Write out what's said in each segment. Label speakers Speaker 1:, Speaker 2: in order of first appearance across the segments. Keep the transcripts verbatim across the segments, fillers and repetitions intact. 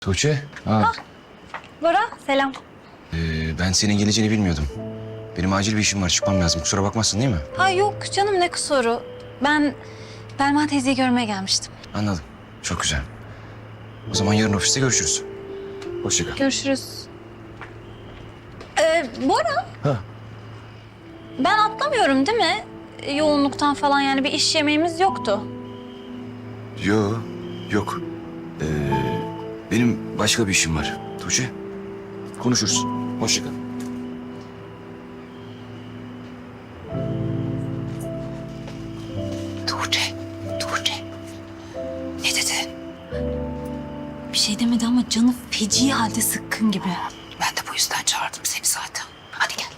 Speaker 1: Tuğçe. Ha.
Speaker 2: Bora, selam.
Speaker 1: Ee, ben senin geleceğini bilmiyordum. Benim acil bir işim var, çıkmam lazım. Kusura bakmazsın değil mi?
Speaker 2: Ha yok canım, ne kusuru. Ben Belma teyzeyi görmeye gelmiştim.
Speaker 1: Anladım. Çok güzel. O zaman yarın ofiste görüşürüz. Hoşça kal.
Speaker 2: Görüşürüz. Ee, Bora.
Speaker 1: Ha.
Speaker 2: Ben atlamıyorum değil mi? Yoğunluktan falan, yani bir iş yemeğimiz yoktu.
Speaker 1: Yo, yok. Ee, benim başka bir işim var. Tuğçe. Konuşuruz. Hoşça kal.
Speaker 2: Tuğçe, Tuğçe. Ne dedi? Bir şey demedi ama canı feci halde sıkkın gibi.
Speaker 3: Ben de bu yüzden çağırdım seni zaten. Hadi gel.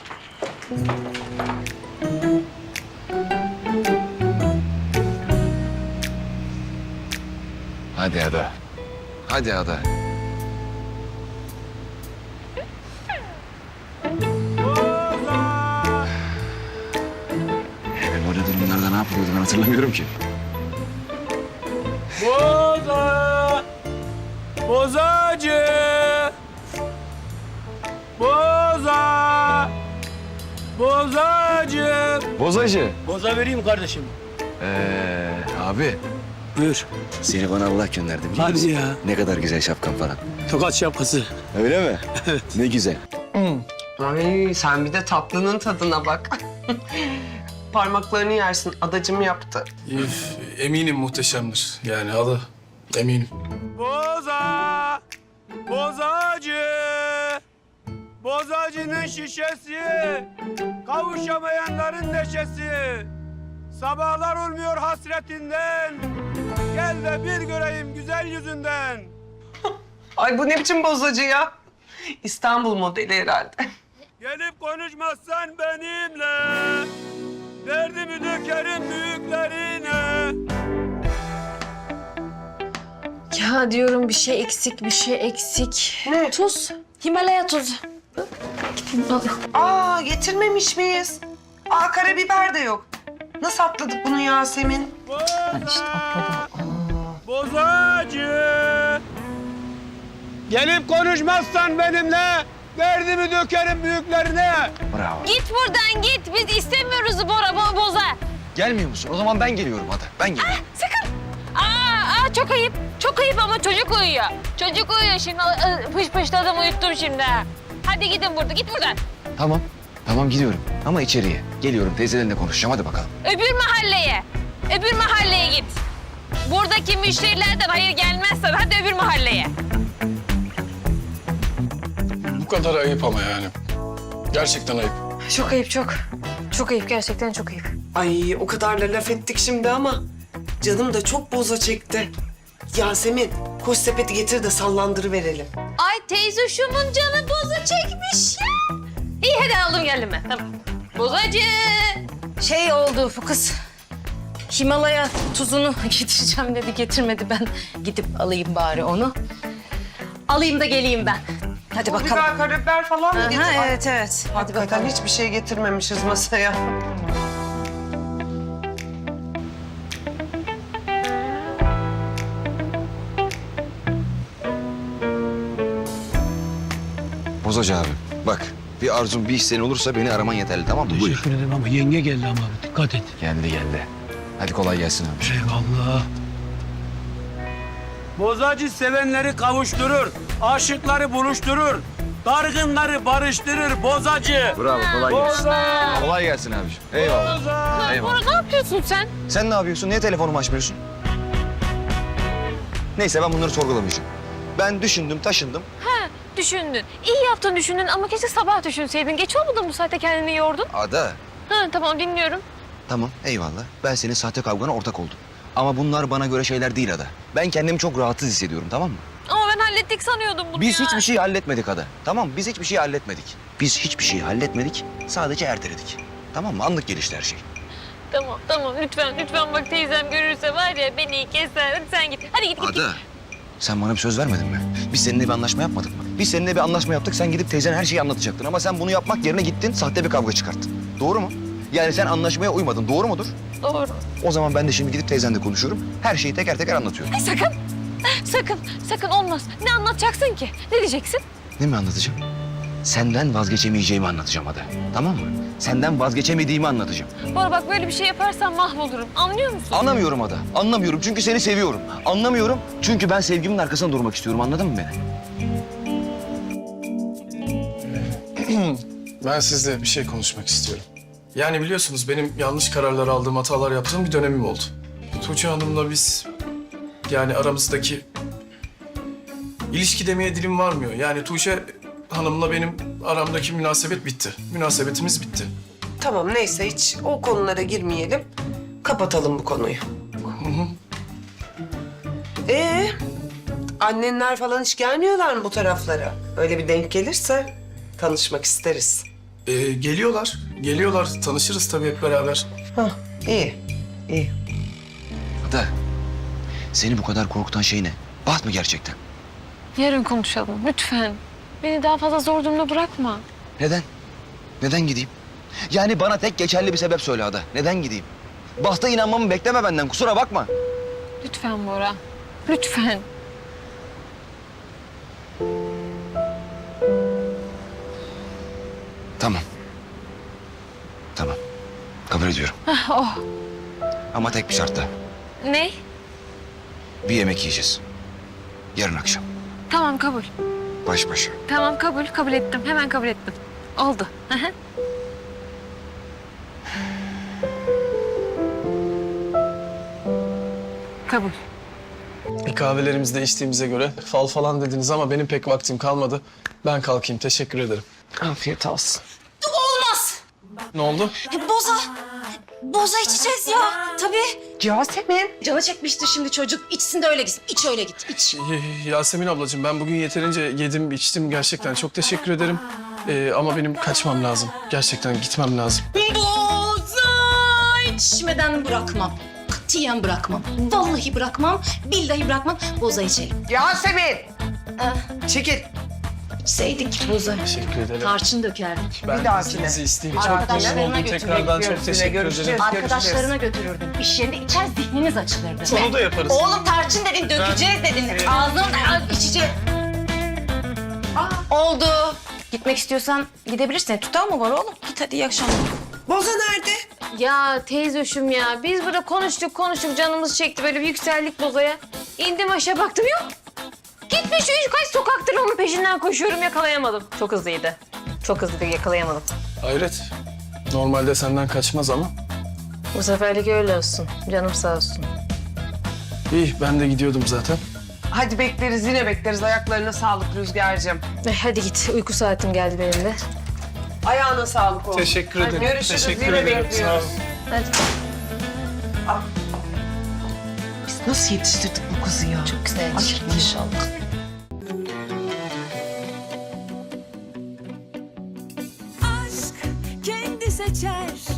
Speaker 1: Hadi Ada. Hadi Ada. Ben öyle durumlarda ne yapıyordum ben hatırlamıyorum ki.
Speaker 4: Boza! Bozacı! Boza! Bozacı!
Speaker 1: Bozacı.
Speaker 4: Boza vereyim kardeşim.
Speaker 1: Ee, abi
Speaker 4: Buyur.
Speaker 1: seni bana Allah gönderdi biliyor
Speaker 4: Hadi
Speaker 1: musun?
Speaker 4: ya.
Speaker 1: Ne kadar güzel şapkan falan.
Speaker 4: Tokat şapkası.
Speaker 1: Öyle mi? Evet. Ne güzel.
Speaker 3: Ay sen bir de tatlının tadına bak. Parmaklarını yersin. Adacım yaptı.
Speaker 5: Üf, eminim muhteşemdir. Yani adı eminim.
Speaker 4: Boza! Bozacı! Bozacının şişesi, kavuşamayanların neşesi. Sabahlar olmuyor hasretinden, gel de bir göreyim güzel yüzünden.
Speaker 3: Ay bu ne biçim bozacı ya? İstanbul modeli herhalde.
Speaker 4: Gelip konuşmazsan benimle, derdimi dökerim büyüklerine.
Speaker 6: Ya diyorum bir şey eksik, bir şey eksik.
Speaker 3: Ne?
Speaker 6: Tuz. Himalaya tuzu.
Speaker 3: Aa getirmemiş miyiz? Aa karabiber de yok. Nasıl atladık bunu Yasemin?
Speaker 4: Boza, bozacı. Gelip konuşmazsan benimle, derdimi dökerim büyüklerine.
Speaker 1: Bravo.
Speaker 2: Git buradan git. Biz istemiyoruz Bora, bo boza.
Speaker 1: Gelmiyor musun? O zaman ben geliyorum Ada. Ben geliyorum.
Speaker 2: Sakın. Aa, aa, çok ayıp. Çok ayıp ama çocuk uyuyor. Çocuk uyuyor şimdi. Aa, Pış pışladım, uyuttum şimdi. Hadi gidin burada. Git buradan.
Speaker 1: Tamam. Tamam gidiyorum. Ama içeriye. Geliyorum teyzelerinle konuşacağım. Hadi bakalım.
Speaker 2: Öbür mahalleye. Öbür mahalleye git. Buradaki müşterilerden hayır gelmezsen hadi öbür mahalleye.
Speaker 5: Bu kadar ayıp ama yani. Gerçekten ayıp.
Speaker 6: Çok ayıp, çok. Çok ayıp, gerçekten çok ayıp.
Speaker 3: Ay o kadar da laf ettik şimdi ama canım da çok boza çekti. Yasemin koş sepeti getir de sallandırıverelim.
Speaker 2: Ay teyze şumun canı boza çekmiş ya. İyi hadi aldım geldim ben. Tamam. Bozacı.
Speaker 6: Şey oldu bu kız. Himalaya tuzunu getireceğim dedi, getirmedi. Ben gidip alayım bari onu. Alayım da geleyim ben. Hadi
Speaker 3: O
Speaker 6: bakalım.
Speaker 3: biber, karabiber falan mı
Speaker 6: Aha,
Speaker 3: getir? Ay,
Speaker 6: evet, evet. Hadi
Speaker 3: hakikaten
Speaker 6: bakalım.
Speaker 3: hiçbir şey getirmemişiz masaya.
Speaker 1: Bozacı abi. Bak bir arzun bir isteğin olursa beni araman yeterli tamam mı? Buyur.
Speaker 4: Teşekkür ederim ama yenge geldi ama abi, dikkat et.
Speaker 1: Geldi geldi. Hadi kolay gelsin abi.
Speaker 4: Eyvallah. Bozacı sevenleri kavuşturur, aşıkları buluşturur, dargınları barıştırır bozacı.
Speaker 1: Bravo kolay gelsin.
Speaker 4: Boza!
Speaker 1: Kolay gelsin abiciğim. Eyvallah.
Speaker 4: Boza!
Speaker 1: Eyvallah.
Speaker 2: Bora ne yapıyorsun sen?
Speaker 1: Sen ne yapıyorsun? Niye telefonumu açmıyorsun? Neyse ben bunları sorgulamayacağım. Ben düşündüm, taşındım.
Speaker 2: Ha, düşündün. İyi yaptın düşündün ama keşke sabah düşünseydin. Geç olmadı mı bu saatte kendini yordun?
Speaker 1: Ada.
Speaker 2: Ha, tamam dinliyorum.
Speaker 1: Tamam eyvallah. Ben senin sahte kavgana ortak oldum. Ama bunlar bana göre şeyler değil Ada. Ben kendimi çok rahatsız hissediyorum tamam mı?
Speaker 2: Ama ben hallettik sanıyordum bunu
Speaker 1: Biz
Speaker 2: ya.
Speaker 1: hiçbir şey halletmedik Ada. Tamam mı? Biz hiçbir şey halletmedik. Biz hiçbir şey halletmedik. Sadece erteledik. Tamam mı? Anlık gelişti her şey.
Speaker 2: Tamam tamam lütfen lütfen bak teyzem görürse var ya beni keser. Hadi sen git. Hadi git git. git.
Speaker 1: Ada. Sen bana bir söz vermedin mi? Biz seninle bir anlaşma yapmadık mı? Biz seninle bir anlaşma yaptık. Sen gidip teyzene her şeyi anlatacaktın. Ama sen bunu yapmak yerine gittin. Sahte bir kavga çıkarttın. Doğru mu? Yani sen anlaşmaya uymadın. Doğru mudur?
Speaker 2: Doğru.
Speaker 1: O zaman ben de şimdi gidip teyzenle konuşuyorum. Her şeyi teker teker anlatıyorum.
Speaker 2: Ay sakın. sakın, sakın olmaz. Ne anlatacaksın ki? Ne diyeceksin?
Speaker 1: Ne mi anlatacağım? Senden vazgeçemeyeceğimi anlatacağım Ada. Tamam mı? Senden vazgeçemediğimi anlatacağım.
Speaker 2: Bora bak böyle bir şey yaparsan mahvolurum. Anlıyor musun?
Speaker 1: Anlamıyorum Ada. Anlamıyorum çünkü seni seviyorum. Anlamıyorum çünkü ben sevgimin arkasında durmak istiyorum. Anladın mı beni?
Speaker 5: Ben sizle bir şey konuşmak istiyorum. Yani biliyorsunuz benim yanlış kararlar aldığım, hatalar yaptığım bir dönemim oldu. Tuğçe Hanım'la biz yani aramızdaki ilişki demeye dilim varmıyor. Yani Tuğçe Hanım'la benim aramdaki münasebet bitti. Münasebetimiz bitti.
Speaker 3: Tamam neyse hiç o konulara girmeyelim. Kapatalım bu konuyu. Ee, annenler falan hiç gelmiyorlar mı bu taraflara? Öyle bir denk gelirse tanışmak isteriz.
Speaker 5: Ee, geliyorlar, geliyorlar. Tanışırız tabii hep beraber.
Speaker 3: Hah, iyi, iyi.
Speaker 1: Ada, seni bu kadar korkutan şey ne? Baht mı gerçekten?
Speaker 2: Yarın konuşalım lütfen. Beni daha fazla zor durumda bırakma.
Speaker 1: Neden? Neden gideyim? Yani bana tek geçerli bir sebep söyle Ada. Neden gideyim? Bahta inanmamı bekleme benden. Kusura bakma.
Speaker 2: Lütfen Bora. Lütfen.
Speaker 1: Tamam. Tamam. Kabul ediyorum.
Speaker 2: Hah, oh.
Speaker 1: Ama tek bir şartla.
Speaker 2: Ne?
Speaker 1: Bir yemek yiyeceğiz. Yarın akşam.
Speaker 2: Tamam kabul.
Speaker 1: Baş başa.
Speaker 2: Tamam kabul. Kabul ettim. Hemen kabul ettim. Oldu. Hı hı. Kabul.
Speaker 5: E, kahvelerimizi de içtiğimize göre fal falan dediniz ama benim pek vaktim kalmadı. Ben kalkayım, teşekkür ederim.
Speaker 3: Afiyet olsun.
Speaker 6: Olmaz.
Speaker 5: Ne oldu?
Speaker 6: Boza. Boza içeceğiz ya. Tabii.
Speaker 3: Yasemin.
Speaker 6: Canı çekmiştir şimdi çocuk. İçsin de öyle gitsin. İç öyle git. İç.
Speaker 5: Y- Yasemin ablacığım ben bugün yeterince yedim, içtim gerçekten. Çok teşekkür ederim. Ee, ama benim kaçmam lazım. Gerçekten gitmem lazım.
Speaker 6: Boza içmeden bırakmam. Katiyen bırakmam. Vallahi bırakmam. Billahi bırakmam. Boza içelim.
Speaker 3: Yasemin.
Speaker 6: Ah,
Speaker 3: Çekil.
Speaker 6: içseydik boza.
Speaker 5: Teşekkür ederim.
Speaker 6: Tarçın dökerdik.
Speaker 5: Ben
Speaker 3: dahakine.
Speaker 5: izninizi isteyeyim. Çok
Speaker 6: Arkadaşlarına
Speaker 5: memnun oldum.
Speaker 6: götür,
Speaker 5: Tekrardan çok
Speaker 3: bekliyoruz.
Speaker 5: teşekkür
Speaker 3: Yine görüşeceğiz.
Speaker 5: ederim.
Speaker 6: Arkadaşlarına götürürdüm. İş yerinde içer zihniniz açılırdı.
Speaker 5: Onu da yaparız.
Speaker 6: Oğlum tarçın dedin, dökeceğiz dedin. Ağzını da içeceğiz. Oldu. Gitmek istiyorsan gidebilirsin. Tutar mı var oğlum? Git hadi iyi akşamlar.
Speaker 3: Boza nerede?
Speaker 2: Ya teyzoşum ya. Biz burada konuştuk konuştuk canımız çekti. Böyle bir yükseldik Boza'ya. İndim aşağı baktım yok. Gitmiş üç kaç sokaktır onun peşinden koşuyorum yakalayamadım. Çok hızlıydı. Çok hızlıydı yakalayamadım.
Speaker 5: Hayret. Normalde senden kaçmaz ama.
Speaker 2: Bu seferlik öyle olsun. Canım sağ olsun.
Speaker 5: İyi ben de gidiyordum zaten.
Speaker 3: Hadi bekleriz yine bekleriz. Ayaklarına sağlık Rüzgar'cığım.
Speaker 2: Eh, hadi git. Uyku saatim geldi benim de.
Speaker 3: Ayağına sağlık oğlum.
Speaker 5: Teşekkür
Speaker 3: Hadi
Speaker 5: ederim.
Speaker 3: görüşürüz,
Speaker 5: Teşekkür
Speaker 3: yine
Speaker 5: ederim. Sağ
Speaker 3: bekliyoruz.
Speaker 5: olun.
Speaker 2: Hadi.
Speaker 3: Biz nasıl yetiştirdik bu kızı ya?
Speaker 6: Çok güzel inşallah.
Speaker 7: aşk kendi seçer